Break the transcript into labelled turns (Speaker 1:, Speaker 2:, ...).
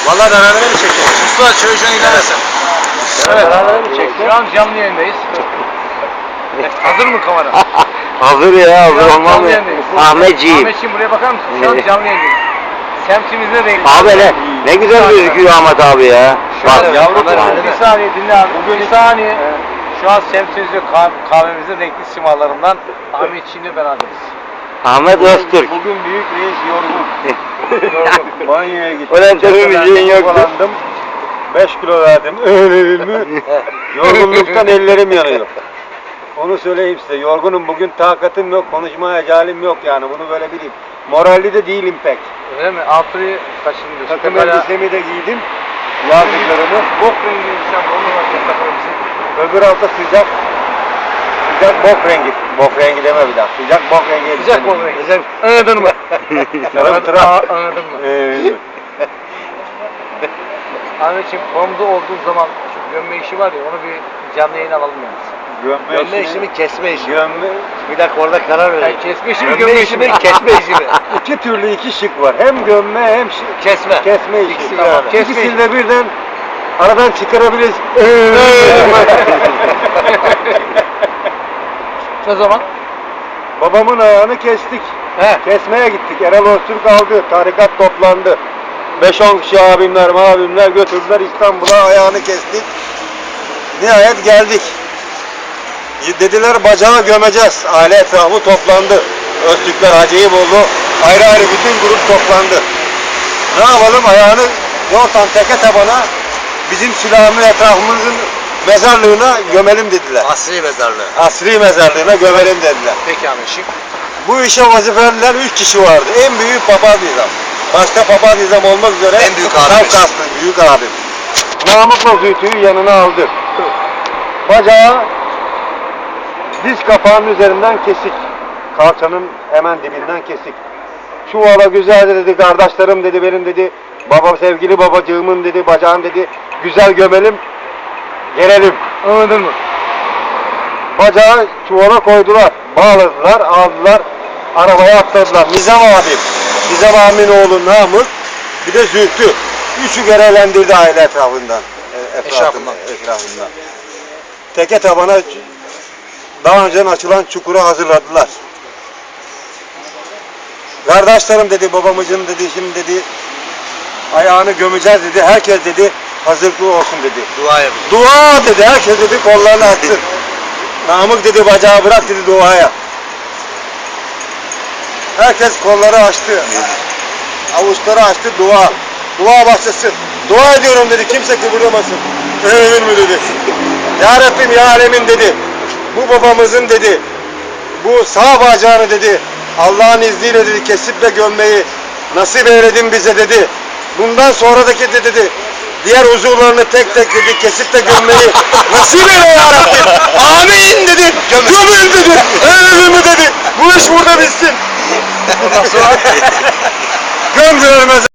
Speaker 1: Vallahi beraber mi çekiyoruz? Mustafa çövüşen ilerlesin.
Speaker 2: Evet. Beraber mi çekti? Şu an canlı yayındayız. Hazır mı kamera?
Speaker 3: Hazır ya, hazır olmaz mı? Ahmetciğim.
Speaker 2: Ahmetciğim buraya bakar mısın? Şu an canlı yayındayız. Semtimizde değil.
Speaker 3: Abi ne güzel gözüküyor Ahmet abi ya. Bak
Speaker 2: Yavrum bir saniye dinle abi. Bir saniye. Şu an semtimizde kahvemizin renkli simalarından Ahmetciğimle beraberiz.
Speaker 3: Ahmet Öztürk.
Speaker 1: Bugün büyük reis yorgun. Banyoya gittim.
Speaker 3: Öyle tabii müziğin yoktu.
Speaker 1: Dolandım. 5 kilo verdim. Öyle mi? Yorgunluktan ellerim yanıyor. Onu söyleyeyim size. Yorgunum bugün, takatim yok, konuşmaya halim yok yani. Bunu böyle bileyim. Moralli de değilim pek.
Speaker 2: Öyle mi? Altıyı kaçın diyorsun?
Speaker 1: Takım elbisemi de giydim. Yazdıklarımı.
Speaker 2: Bok rengi insan olmamak takım elbise.
Speaker 1: Öbür hafta sıcak. Sıcak bok rengi. Bok rengi deme bir daha. Sıcak bok rengi.
Speaker 2: Sıcak bok rengi. Sıcak. Anladın mı? Anladın mı? Ahmetciğim formda olduğun zaman şu gömme işi var ya, onu bir canlı yayın alalım yalnız.
Speaker 1: Gömme işi mi, kesme işi? Gömme.
Speaker 3: Bir dakika orada karar verelim.
Speaker 2: Kesme işi mi, gömme işi mi? Kesme işi mi?
Speaker 1: İki türlü iki şık var. Hem gömme hem
Speaker 2: Kesme.
Speaker 1: kesme işi.
Speaker 2: İkisi tamam.
Speaker 1: İkisini de birden aradan çıkarabiliriz.
Speaker 2: Ne zaman?
Speaker 1: Babamın ayağını kestik. Kesmeye gittik. Erol Öztürk aldı. Tarikat toplandı. 5-10 kişi abimler götürdüler İstanbul'a, ayağını kestik. Nihayet geldik. Dediler bacağı gömeceğiz. Aile etrafı toplandı. Öztürkler, Hacı Eyüboğlu ayrı ayrı bütün grup toplandı. Ne yapalım, ayağını yortan teke tabana bizim silahımın etrafımızın mezarlığına gömelim dediler.
Speaker 3: Asri mezarlığı.
Speaker 1: Asri mezarlığına gömelim dediler.
Speaker 2: Peki Ahmetciğim.
Speaker 1: Bu işe vazifeliler 3 kişi vardı. En büyük papaz nizam. Başka papaz nizam olmak üzere
Speaker 3: En büyük abimiz.
Speaker 1: Kafkaslı büyük abim. Namıkla Zühtü'yü yanına aldı. Bacağı diz kapağının üzerinden kesik. Kalçanın hemen dibinden kesik. Çuvala güzel dedi, kardeşlerim dedi, benim dedi, baba sevgili babacığımın dedi, bacağım dedi, güzel gömelim, gelelim.
Speaker 2: Anladın mı?
Speaker 1: Bacağı çuvala koydular, bağladılar, aldılar, arabaya atladılar. Nizam abim, Nizam abimin oğlu Namık, bir de Zühtü. Üçü görevlendirdi aile etrafından. Etrafından. Teke tabana daha önceden açılan çukuru hazırladılar. Kardeşlerim dedi, babamızın dedi, şimdi dedi, ayağını gömeceğiz dedi, herkes dedi, hazırlıklı olsun dedi.
Speaker 3: Dua yapacağız.
Speaker 1: Dua dedi, herkes dedi, kollarını açsın. Namık dedi, bacağı bırak dedi duaya. Herkes kolları açtı. Avuçları açtı, dua. Dua başlasın. Dua ediyorum dedi, kimse kıvırlamasın. Emin mi dedi. Ya Rabbim ya Alemin dedi. Bu babamızın dedi, bu sağ bacağını dedi, Allah'ın izniyle dedi, kesip ve gömmeyi nasip eyledin bize dedi. Bundan sonradaki dedi, diğer uzuvlarını tek tek dedi, kesip de gömmeyi nasip eyle ya Rabbim. Amin.